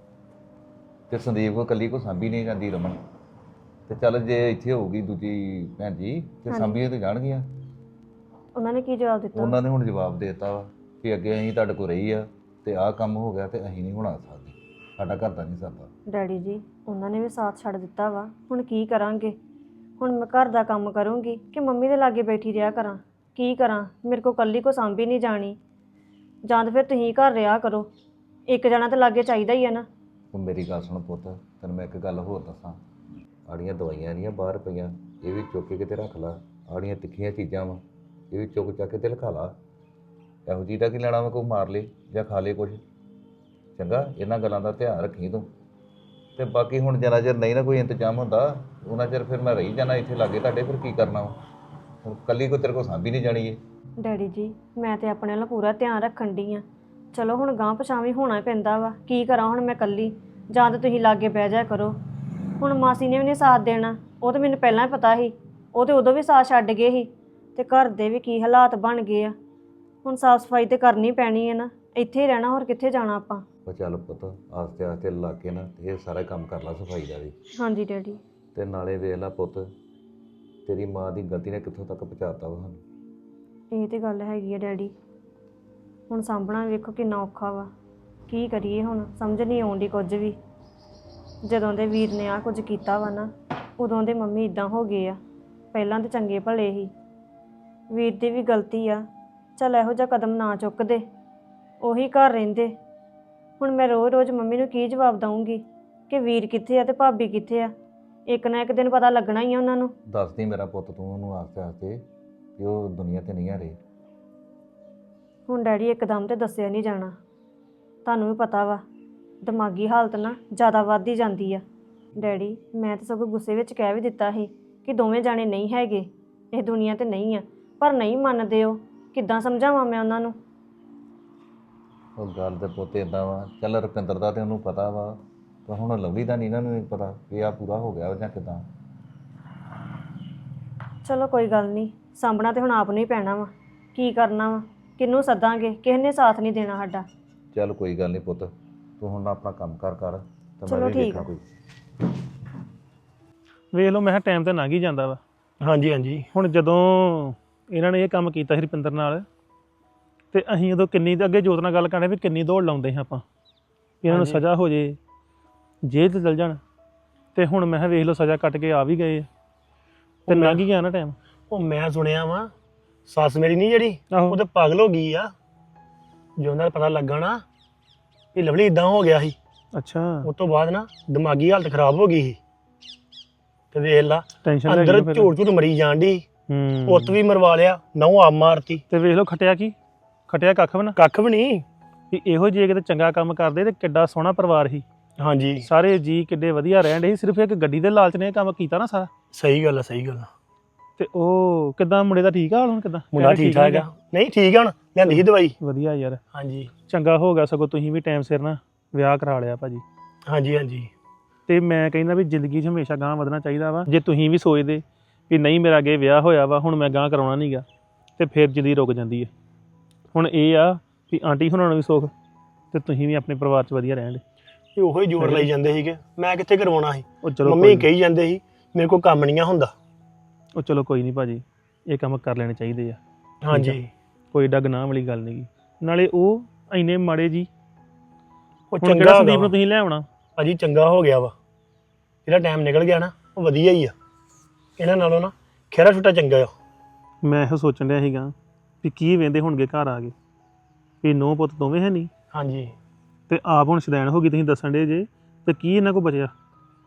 S7: ਤੇ ਸੰਦੀਪ ਕੋ ਇਕੱਲੀ ਕੋ ਸਾਂਭੀ ਨਹੀਂ ਜਾਂਦੀ ਰਮਨ, ਤੇ ਚੱਲ ਜੇ ਇੱਥੇ ਹੋਊਗੀ ਦੂਜੀ ਭੈਣ ਜੀ ਤੇ ਸਾਂਭੀਏ ਤੇ ਜਾਣਗੀਆਂ।
S5: ਉਹਨਾਂ ਨੇ ਕੀ ਜਵਾਬ ਦਿੱਤਾ?
S7: ਉਹਨਾਂ ਨੇ ਹੁਣ ਜਵਾਬ ਦੇ ਦਿੱਤਾ ਵਾ ਕਿ ਅੱਗੇ ਅਸੀਂ ਤੁਹਾਡੇ ਕੋਲ ਰਹੀ ਆ ਤੇ ਆਹ ਕੰਮ ਹੋ ਗਿਆ ਤੇ ਅਸੀਂ ਨਹੀਂ ਹੁਣ ਆ ਸਕਦੇ, ਸਾਡਾ ਘਰ ਦਾ ਨਹੀਂ ਸਰਦਾ।
S5: ਡੈਡੀ ਜੀ ਉਹਨਾਂ ਨੇ ਵੀ ਸਾਥ ਛੱਡ ਦਿੱਤਾ ਵਾ, ਹੁਣ ਕੀ ਕਰਾਂਗੇ? ਹੁਣ ਮੈਂ ਘਰ ਦਾ ਕੰਮ ਕਰੂੰਗੀ ਕਿ ਮੰਮੀ ਦੇ ਲਾਗੇ ਬੈਠੀ ਰਿਹਾ ਕਰਾਂ? ਕੀ ਕਰਾਂ, ਮੇਰੇ ਕੋ ਇਕੱਲੀ ਕੋ ਸਾਂਭੀ ਨਹੀਂ ਜਾਣੀ। ਜਾਂ ਤਾਂ ਫਿਰ ਤੁਸੀਂ ਘਰ ਰਿਹਾ ਕਰੋ, ਇੱਕ ਜਣਾ ਤਾਂ ਲਾਗੇ ਚਾਹੀਦਾ ਹੀ ਆ ਨਾ।
S7: ਤੂੰ ਮੇਰੀ ਗੱਲ ਸੁਣ ਪੁੱਤ, ਤੈਨੂੰ ਮੈਂ ਇੱਕ ਗੱਲ ਹੋਰ ਦੱਸਾਂ, ਆੜੀਆਂ ਦਵਾਈਆਂ ਨਹੀਂ ਬਾਹਰ ਪਈਆਂ, ਇਹ ਵੀ ਚੁੱਕ ਕੇ ਕਿਤੇ ਰੱਖ ਲਾ। ਆੜੀਆਂ ਤਿੱਖੀਆਂ ਚੀਜ਼ਾਂ ਵਾ, ਇਹ ਵੀ ਚੁੱਕ ਚੱਕ ਕੇ ਤੇ ਲਿਖਾ ਲਾ। ਇਹੋ ਜਿਹੀ ਦਾ ਕੀ ਲੈਣਾ ਵਾ, ਕੋਈ ਮਾਰ ਲੇ ਜਾਂ ਖਾ ਲੇ ਕੁਛ। ਚੰਗਾ, ਇਹਨਾਂ ਗੱਲਾਂ ਦਾ ਧਿਆਨ ਰੱਖੀ ਤੂੰ। ਤੇ ਬਾਕੀ ਹੁਣ ਜਿੰਨਾ ਚਿਰ ਨਹੀਂ ਨਾ ਕੋਈ ਇੰਤਜ਼ਾਮ ਹੁੰਦਾ ਉਹਨਾਂ ਚਿਰ ਫਿਰ ਮੈਂ ਰਹੀ ਜਾਣਾ ਇੱਥੇ ਲਾਗੇ ਤੁਹਾਡੇ, ਫਿਰ ਕੀ ਕਰਨਾ ਵਾ। ਹੁਣ ਇਕੱਲੀ ਕੋਈ ਤੇਰੇ ਕੋਲ ਸਾਂਭੀ ਨਹੀਂ ਜਾਣੀ ਏ।
S5: ਡੈਡੀ ਜੀ ਮੈਂ ਤੇ ਆਪਣੇ ਵੱਲ ਪੂਰਾ ਧਿਆਨ ਰੱਖਣ ਡਈ ਆ। ਚਲੋ ਹੁਣ ਗਾਂਹ ਪਛਾਵੇਂ ਹੋਣਾ ਪੈਂਦਾ ਵਾ, ਕੀ ਕਰਾਂ ਹੁਣ ਮੈਂ ਇਕੱਲੀ? ਜਾਂ ਤਾਂ ਤੁਸੀਂ ਲਾਗੇ ਬਹਿ ਜਾ ਕਰੋ। ਹੁਣ ਮਾਸੀ ਨੇ ਵੀ ਨਹੀਂ ਸਾਥ ਦੇਣਾ, ਉਹ ਤਾਂ ਮੈਨੂੰ ਪਹਿਲਾਂ ਹੀ ਪਤਾ ਸੀ, ਉਹ ਤੇ ਉਦੋਂ ਵੀ ਸਾਥ ਛੱਡ ਗਏ ਸੀ। ਤੇ ਘਰ ਦੇ ਵੀ ਕੀ ਹਾਲਾਤ ਬਣ ਗਏ ਆ, ਹੁਣ ਸਾਫ਼ ਸਫਾਈ ਤੇ ਕਰਨੀ ਪੈਣੀ ਹੈ ਨਾ, ਇੱਥੇ ਹੀ ਰਹਿਣਾ, ਹੋਰ ਕਿੱਥੇ ਜਾਣਾ ਆਪਾਂ।
S7: ਉਹ ਚੱਲ ਪੁੱਤ ਆਸਤੇ ਆਸਤੇ ਲਾ ਕੇ ਨਾ ਇਹ ਸਾਰਾ ਕੰਮ ਕਰ ਲਾ ਸਫਾਈ ਦਾ ਵੀ।
S5: ਹਾਂਜੀ ਡੈਡੀ।
S7: ਤੇ ਨਾਲੇ ਵੇਖ ਲਾ ਪੁੱਤ, ਤੇਰੀ ਮਾਂ ਦੀ ਗਲਤੀ ਨੇ ਕਿੱਥੋਂ ਤੱਕ ਪਹੁੰਚਾਤਾ ਵਾ ਸਾਨੂੰ।
S5: ਇਹ ਤੇ ਗੱਲ ਹੈਗੀ ਆ ਡੈਡੀ, ਹੁਣ ਸਾਂਭਣਾ ਵੇਖੋ ਕਿੰਨਾ ਔਖਾ ਵਾ। ਕੀ ਕਰੀਏ ਹੁਣ, ਸਮਝ ਨਹੀਂ ਆਉਂਦੀ ਕੁਝ ਵੀ। ਜਦੋਂ ਦੇ ਵੀਰ ਨੇ ਆ ਕੁਝ ਕੀਤਾ ਵਾ ਨਾ, ਉਦੋਂ ਦੇ ਮੰਮੀ ਇਦਾਂ ਹੋ ਗਏ ਆ। ਪਹਿਲਾਂ ਤਾਂ ਚੰਗੇ ਭਲੇ ਸੀ, ਵੀਰ ਦੀ ਵੀ ਗਲਤੀ ਆ। ਚੱਲ ਇਹੋ ਜਿਹਾ ਕਦਮ ਨਾ ਚੁੱਕਦੇ, ਉਹੀ ਘਰ ਰਹਿੰਦੇ। ਹੁਣ ਮੈਂ ਰੋਜ਼ ਰੋਜ਼ ਮੰਮੀ ਨੂੰ ਕੀ ਜਵਾਬ ਦਊਂਗੀ ਕਿ ਵੀਰ ਕਿੱਥੇ ਆ ਤੇ ਭਾਬੀ ਕਿੱਥੇ ਆ? ਇੱਕ ਨਾ ਇੱਕ ਦਿਨ ਪਤਾ ਲੱਗਣਾ ਹੀ ਆ ਉਹਨਾਂ ਨੂੰ।
S7: ਦੱਸਦੀ ਮੇਰਾ ਪੁੱਤ ਤੂੰ ਉਹਨੂੰ ਆਸਤੇ ਆਸਤੇ ਕਿ ਉਹ ਦੁਨੀਆ ਤੇ ਨਹੀਂ ਆ ਰਹੀ।
S5: ਹੁਣ ਡੈਡੀ ਇੱਕਦਮ ਤੇ ਦੱਸਿਆ ਨਹੀਂ ਜਾਣਾ, ਤੁਹਾਨੂੰ ਵੀ ਪਤਾ ਵਾ ਦਿਮਾਗੀ ਹਾਲਤ ਨਾ ਜ਼ਿਆਦਾ ਵੱਧ ਹੀ ਜਾਂਦੀ ਆ। ਡੈਡੀ ਮੈਂ ਤਾਂ ਸਗੋਂ ਗੁੱਸੇ ਵਿੱਚ ਕਹਿ ਵੀ ਦਿੱਤਾ ਸੀ ਕਿ ਦੋਵੇਂ ਜਾਣੇ ਨਹੀਂ ਹੈਗੇ, ਇਹ ਦੁਨੀਆ ਤੇ ਨਹੀਂ ਆ, ਪਰ ਨਹੀਂ ਮੰਨਦੇ। ਉਹ ਕਿੱਦਾਂ ਸਮਝਾਵਾਂ ਮੈਂ ਉਹਨਾਂ ਨੂੰ?
S7: ਉਹ ਗੱਲ ਤੇ ਪੁੱਤ ਇਦਾਂ ਵਾ, ਚੱਲ ਰੁਪਿੰਦਰ ਦਾ ਤੇ ਉਹਨੂੰ ਪਤਾ ਵਾ, ਪਰ ਹੁਣ ਲਵਲੀ ਦਾ ਨਹੀਂ ਇਹਨਾਂ ਨੂੰ ਪਤਾ ਵੀ ਆ ਪੂਰਾ ਹੋ ਗਿਆ ਜਾਂ ਕਿੱਦਾਂ।
S5: ਚਲੋ ਕੋਈ ਗੱਲ ਨਹੀਂ, ਸਾਂਭਣਾ ਤੇ ਹੁਣ ਆਪ ਨੂੰ ਹੀ ਪੈਣਾ ਵਾ। ਕੀ ਕਰਨਾ ਵਾ, ਕਿਹਨੂੰ ਸੱਦਾਂਗੇ? ਕਿਸੇ ਨੇ ਸਾਥ ਨਹੀਂ ਦੇਣਾ ਸਾਡਾ।
S7: ਚੱਲ ਕੋਈ ਗੱਲ ਨਹੀਂ ਪੁੱਤ, ਤੂੰ ਹੁਣ ਆਪਣਾ ਕੰਮ ਕਰ ਕਰ ਤੇ
S5: ਚਲੋ
S7: ਮੈਂ ਵੀ
S5: ਠੀਕ
S7: ਦੇਖਾਂ
S5: ਆ।
S7: ਕੋਈ।
S3: ਵੇਖ ਲਓ, ਮੈਂ ਕਿਹਾ ਟਾਈਮ ਤਾਂ ਲੰਘ ਹੀ ਜਾਂਦਾ ਵਾ।
S11: ਹਾਂਜੀ ਹਾਂਜੀ।
S3: ਹੁਣ ਜਦੋਂ ਇਹਨਾਂ ਨੇ ਇਹ ਕੰਮ ਕੀਤਾ ਸੀ ਰੁਪਿੰਦਰ ਨਾਲ, ਤੇ ਅਸੀਂ ਉਦੋਂ ਕਿੰਨੀ ਅੱਗੇ ਜੋਤ ਨਾਲ ਗੱਲ ਕਰਦੇ ਵੀ ਕਿੰਨੀ ਦੌੜ ਲਾਉਂਦੇ ਹਾਂ ਆਪਾਂ, ਇਹਨਾਂ ਨੂੰ ਸਜ਼ਾ ਹੋ ਜੇ, ਜੇਲ੍ਹ 'ਚ ਚਲ ਜਾਣ। ਤੇ ਹੁਣ ਮੈਂ ਕਿਹਾ ਵੇਖ ਲਓ ਸਜ਼ਾ ਕੱਟ ਕੇ ਆ ਵੀ ਗਏ, ਤੇ ਲੰਘ ਹੀ ਗਿਆ ਨਾ ਟਾਈਮ।
S11: ਉਹ ਮੈਂ ਸੁਣਿਆ ਵਾ ਸੱਸ ਮੇਰੀ ਨਹੀਂ ਜਿਹੜੀ, ਉਹ ਤੇ ਪਾਗਲ ਹੋ ਗਈ ਆ। ਜਦੋਂ ਦਾ ਪਤਾ ਲੱਗਾ ਨਾ ਇਹ ਲਵਲੀ ਇਦਾਂ ਹੋ ਗਿਆ ਸੀ,
S3: ਅੱਛਾ,
S11: ਉਸ ਤੋਂ ਬਾਅਦ ਨਾ ਦਿਮਾਗੀ ਹਾਲਤ ਖਰਾਬ ਹੋ ਗਈ ਸੀ। ਤੇ ਵੇਖ ਲਾ
S3: ਟੈਨਸ਼ਨ
S11: ਅੰਦਰ ਝੂਠ ਝੂਠ ਮਰੀ ਜਾਣ ਦੀ, ਪੁੱਤ ਵੀ ਮਰਵਾ ਲਿਆ, ਨਹੁੰ ਆਪ ਮਾਰਤੀ।
S3: ਤੇ ਵੇਖ ਲਓ ਖਟਿਆ ਕੀ, ਖਟਿਆ ਕੱਖ ਵੀ ਨਾ,
S11: ਕੱਖ ਵੀ ਨਹੀਂ।
S3: ਵੀ ਇਹੋ ਜਿਹੇ ਕਿਤੇ ਚੰਗਾ ਕੰਮ ਕਰਦੇ ਤੇ ਕਿੱਡਾ ਸੋਹਣਾ ਪਰਿਵਾਰ ਸੀ।
S11: ਹਾਂਜੀ,
S3: ਸਾਰੇ ਜੀ ਕਿੱਡੇ ਵਧੀਆ ਰਹਿਣ ਡੇ ਸੀ, ਸਿਰਫ ਇੱਕ ਗੱਡੀ ਦੇ ਲਾਲਚ ਨੇ ਇਹ ਕੰਮ ਕੀਤਾ ਨਾ ਸਾਰਾ।
S11: ਸਹੀ ਗੱਲ ਆ, ਸਹੀ ਗੱਲ ਆ।
S3: ਤੇ ਉਹ ਕਿੱਦਾਂ ਮੁੰਡੇ ਦਾ ਠੀਕ ਆ ਹਾਲ ਹੁਣ? ਕਿੱਦਾਂ
S11: ਮੁੰਡਾ ਠੀਕ ਠਾਕ ਆ? ਨਹੀਂ ਠੀਕ ਆ, ਹੁਣ ਲਿਆਂਦੀ ਸੀ ਦਵਾਈ।
S3: ਵਧੀਆ ਯਾਰ,
S11: ਹਾਂਜੀ
S3: ਚੰਗਾ ਹੋ ਗਿਆ, ਸਗੋਂ ਤੁਸੀਂ ਵੀ ਟਾਈਮ ਸਿਰ ਨਾ ਵਿਆਹ ਕਰਾ ਲਿਆ ਭਾਜੀ।
S11: ਹਾਂਜੀ ਹਾਂਜੀ।
S3: ਤੇ ਮੈਂ ਕਹਿੰਦਾ ਵੀ ਜ਼ਿੰਦਗੀ 'ਚ ਹਮੇਸ਼ਾ ਗਾਂਹ ਵਧਣਾ ਚਾਹੀਦਾ ਵਾ। ਜੇ ਤੁਸੀਂ ਵੀ ਸੋਚਦੇ ਵੀ ਨਹੀਂ ਮੇਰਾ ਅੱਗੇ ਵਿਆਹ ਹੋਇਆ ਵਾ, ਹੁਣ ਮੈਂ ਗਾਂਹ ਕਰਾਉਣਾ ਨਹੀਂ ਗਾ, ਤੇ ਫਿਰ ਜ਼ਿੰਦਗੀ ਰੁਕ ਜਾਂਦੀ ਹੈ। ਹੁਣ ਇਹ ਆ ਵੀ ਆਂਟੀ ਹੁਣਾਂ ਨੂੰ ਵੀ ਸੁੱਖ, ਤੇ ਤੁਸੀਂ ਵੀ ਆਪਣੇ ਪਰਿਵਾਰ 'ਚ ਵਧੀਆ ਰਹਿਣ ਦੇ।
S11: ਇਹ ਉਹੋ ਹੀ ਜ਼ੋਰ ਲਈ ਜਾਂਦੇ ਸੀਗੇ, ਮੈਂ ਕਿੱਥੇ ਕਰਵਾਉਣਾ ਸੀ।
S3: ਉਹ ਚਲੋ
S11: ਮੰਮੀ ਕਹੀ ਜਾਂਦੇ ਸੀ ਮੇਰੇ ਕੋਲ ਕੰਮ ਨਹੀਂ ਆ ਹੁੰਦਾ।
S3: ਉਹ ਚਲੋ ਕੋਈ ਨਹੀਂ ਭਾਜੀ, ਇਹ ਕੰਮ ਕਰ ਲੈਣੇ ਚਾਹੀਦੇ ਆ।
S11: ਹਾਂਜੀ,
S3: ਕੋਈ ਏਡਾ ਗੁਨਾਹ ਵਾਲੀ ਗੱਲ ਨਹੀਂ ਗੀ। ਨਾਲੇ ਉਹ ਇੰਨੇ ਮਾੜੇ ਜੀ,
S11: ਉਹ
S3: ਹੁਣ
S11: ਚੰਗਾ
S3: ਕਿਹੜਾ
S11: ਹੋ
S3: ਸੰਦੀਪ
S11: ਗਿਆ
S3: ਨੂੰ ਤੁਸੀਂ ਲੈ ਆਉਣਾ
S11: ਭਾਜੀ, ਚੰਗਾ ਹੋ ਗਿਆ ਵਾ। ਜਿਹੜਾ ਟਾਈਮ ਨਿਕਲ ਗਿਆ ਨਾ ਉਹ ਵਧੀਆ ਹੀ ਆ, ਇਹਨਾਂ ਨਾਲੋਂ ਨਾ ਖਹਿਰਾ ਛੁੱਟਾ ਚੰਗਾ ਆ।
S3: ਮੈਂ ਇਹੋ ਸੋਚਣ ਡਿਆ ਸੀਗਾ ਵੀ ਕੀ ਵੇਂਦੇ ਹੋਣਗੇ ਘਰ ਆ ਕੇ ਵੀ ਨੌ ਪੁੱਤ ਦੋਵੇਂ ਹੈ ਨਹੀਂ,
S11: ਹਾਂਜੀ,
S3: ਤੇ ਆਪ ਹੁਣ ਸ਼ੁਦੈਣ ਹੋ ਗਈ, ਤੁਸੀਂ ਦੱਸਣ ਡੇ ਜੇ, ਤੇ ਕੀ ਇਹਨਾਂ ਕੋਲ ਬਚਿਆ?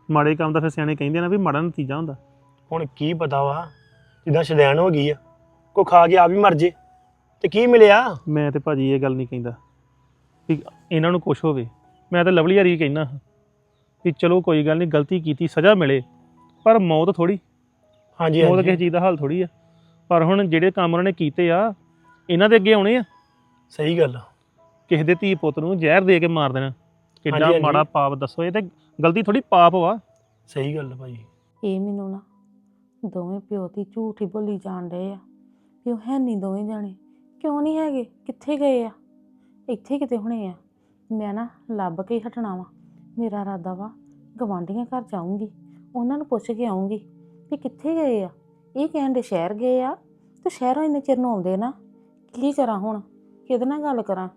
S3: ਮਾੜੇ ਕੰਮ ਦਾ ਫਿਰ ਸਿਆਣੇ ਕਹਿੰਦੇ ਨਾ ਵੀ ਮਾੜਾ ਨਤੀਜਾ ਹੁੰਦਾ।
S11: ਹੁਣ ਕੀ ਪਤਾ ਵਾ ਜਿੱਦਾਂ ਸ਼ਦੈਣ ਹੋ ਗਈ ਆ ਕੋ ਖਾ ਕੇ ਆਪ ਹੀ ਮਰ ਜੇ ਤੇ ਕੀ ਮਿਲਿਆ।
S3: ਮੈਂ ਤੇ ਭਾਜੀ ਇਹ ਗੱਲ ਨਹੀਂ ਕਹਿੰਦਾ ਵੀ ਇਹਨਾਂ ਨੂੰ ਕੁਛ ਹੋਵੇ, ਮੈਂ ਤਾਂ ਲਵਲੀ ਹਰੀ ਕਹਿਣਾ ਵੀ ਚਲੋ ਕੋਈ ਗੱਲ ਨਹੀਂ, ਗਲਤੀ ਕੀਤੀ ਸਜ਼ਾ ਮਿਲੇ, ਪਰ ਮੌਤ ਥੋੜੀ,
S11: ਹਾਂਜੀ
S3: ਮੌਤ
S11: ਹਾਂਜੀ
S3: ਕਿਸੇ ਚੀਜ਼ ਦਾ ਹਾਲ ਥੋੜੀ ਆ। ਪਰ ਹੁਣ ਜਿਹੜੇ ਕੰਮ ਉਹਨਾਂ ਨੇ ਕੀਤੇ ਆ ਇਹਨਾਂ ਦੇ ਅੱਗੇ ਆਉਣੇ ਆ।
S11: ਸਹੀ ਗੱਲ ਆ।
S3: ਕਿਸੇ ਦੇ ਧੀ ਪੁੱਤ ਨੂੰ ਜ਼ਹਿਰ ਦੇ ਕੇ ਮਾਰ ਦੇਣਾ ਕਿੱਡਾ
S11: ਹਾਂਜੀ, ਹਾਂਜੀ।
S3: ਮਾੜਾ ਪਾਪ ਦੱਸੋ, ਇਹ ਤੇ ਗਲਤੀ ਥੋੜੀ ਪਾਪ ਵਾ।
S11: ਸਹੀ ਗੱਲ ਆ ਭਾਜੀ।
S1: ਇਹ ਮੈਨੂੰ ਨਾ ਦੋਵੇਂ ਪਿਓ ਦੀ ਝੂਠ ਹੀ ਬੋਲੀ ਜਾਣ ਰਹੇ ਆ ਵੀ ਉਹ ਹੈ ਨਹੀਂ ਦੋਵੇਂ ਜਾਣੇ। ਕਿਉਂ ਨਹੀਂ ਹੈਗੇ? ਕਿੱਥੇ ਗਏ ਆ? ਇੱਥੇ ਕਿਤੇ ਹੋਣੇ ਆ। ਮੈਂ ਨਾ ਲੱਭ ਕੇ ਹੀ ਹਟਣਾ ਵਾ। ਮੇਰਾ ਇਰਾਦਾ ਵਾ ਗਵਾਂਢੀਆਂ ਘਰ ਜਾਊਂਗੀ, ਉਹਨਾਂ ਨੂੰ ਪੁੱਛ ਕੇ ਆਊਂਗੀ ਵੀ ਕਿੱਥੇ ਗਏ ਆ। ਇਹ ਕਹਿਣ ਦੇ ਸ਼ਹਿਰ ਗਏ ਆ, ਤੇ ਸ਼ਹਿਰੋਂ ਇੰਨੇ ਚਿਰ ਨੂੰ ਆਉਂਦੇ ਨਾ। ਕੀ ਕਰਾਂ ਹੁਣ? ਕਿਹਦੇ ਨਾਲ ਗੱਲ ਕਰਾਂ?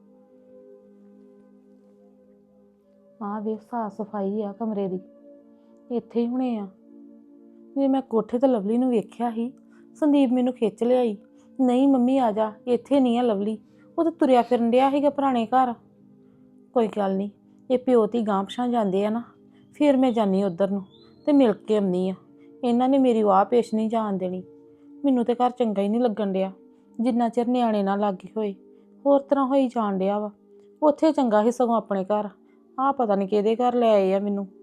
S1: ਆਹ ਵੇਖ ਸਾਫ ਸਫਾਈ ਆ ਕਮਰੇ ਦੀ, ਇੱਥੇ ਹੀ ਹੋਣੇ ਆ। ਜੇ ਮੈਂ ਕੋਠੇ ਤੇ ਲਵਲੀ ਨੂੰ ਵੇਖਿਆ ਸੀ, ਸੰਦੀਪ ਮੈਨੂੰ ਖਿੱਚ ਲਿਆਈ, ਨਹੀਂ ਮੰਮੀ ਆ ਜਾ, ਇੱਥੇ ਨਹੀਂ ਆ ਲਵਲੀ, ਉਹ ਤਾਂ ਤੁਰਿਆ ਫਿਰਨ ਡਿਆ ਸੀਗਾ ਪੁਰਾਣੇ ਘਰ। ਕੋਈ ਗੱਲ ਨਹੀਂ, ਇਹ ਪਿਓ ਧੀ ਗਾਂਹ ਪਿਛਾਂ ਜਾਂਦੇ ਆ ਨਾ, ਫਿਰ ਮੈਂ ਜਾਂਦੀ ਉੱਧਰ ਨੂੰ ਤੇ ਮਿਲ ਕੇ ਆਉਂਦੀ ਆ। ਇਹਨਾਂ ਨੇ ਮੇਰੀ ਵਾਹ ਪੇਸ਼ ਨਹੀਂ ਜਾਣ ਦੇਣੀ। ਮੈਨੂੰ ਤੇ ਘਰ ਚੰਗਾ ਹੀ ਨਹੀਂ ਲੱਗਣ ਡਿਆ ਜਿੰਨਾ ਚਿਰ ਨਿਆਣੇ ਨਾ ਲਾਗੇ ਹੋਏ। ਹੋਰ ਤਰ੍ਹਾਂ ਹੋਈ ਜਾਣ ਡਿਆ ਵਾ। ਉੱਥੇ ਚੰਗਾ ਸੀ ਸਗੋਂ ਆਪਣੇ ਘਰ। ਆਹ ਪਤਾ ਨਹੀਂ ਕਿਹਦੇ ਘਰ ਲੈ ਆਏ ਆ ਮੈਨੂੰ।